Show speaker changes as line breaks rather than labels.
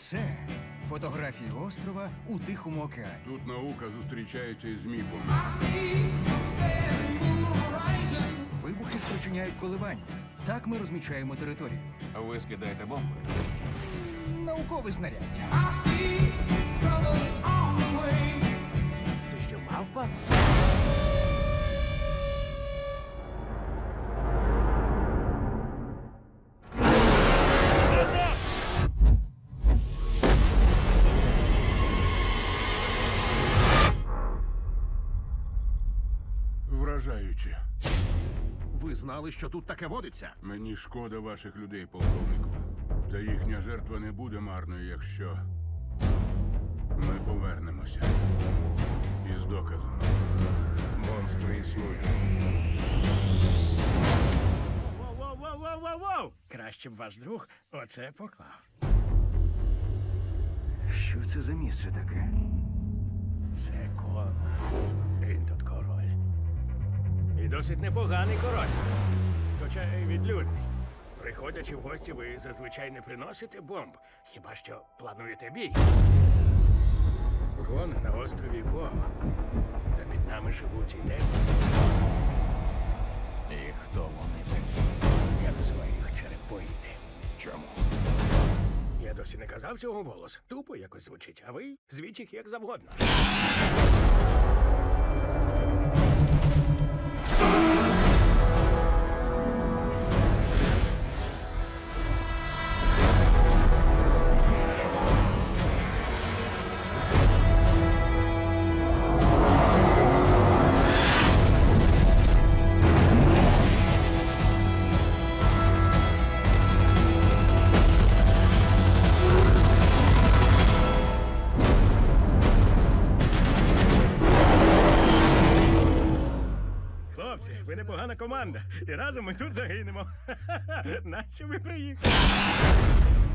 Це фотографії острова у Тихому океані.
Тут наука зустрічається із міфом.
Вибухи спричиняють коливання. Так ми розмічаємо територію.
Ви скидаєте бомби?
Наукове знаряддя.
Це що, мавпа?
Вражаюче.
Ви знали, що тут таке водиться?
Мені шкода ваших людей, полковнику. Та їхня жертва не буде марною, якщо ми повернемося. Із доказом. Монстри існують.
Воу-воу-воу-воу-воу! Краще б ваш друг оце поклав.
Що це за місце таке?
Це Конг. Він тут король. І досить непоганий король. Хоча й відлюдний. Приходячи в гості, ви зазвичай не приносите бомб, хіба що плануєте бій. Конг на острові Бог. Та під нами живуть і демони.
І хто вони такі?
Я називаю їх черепоїди.
Чому?
Я досі не казав цього вголос. Тупо якось звучить, а ви звіть їх як завгодно. Хлопці, ви непогана команда. І разом ми тут загинемо. Нащо ви приїхали?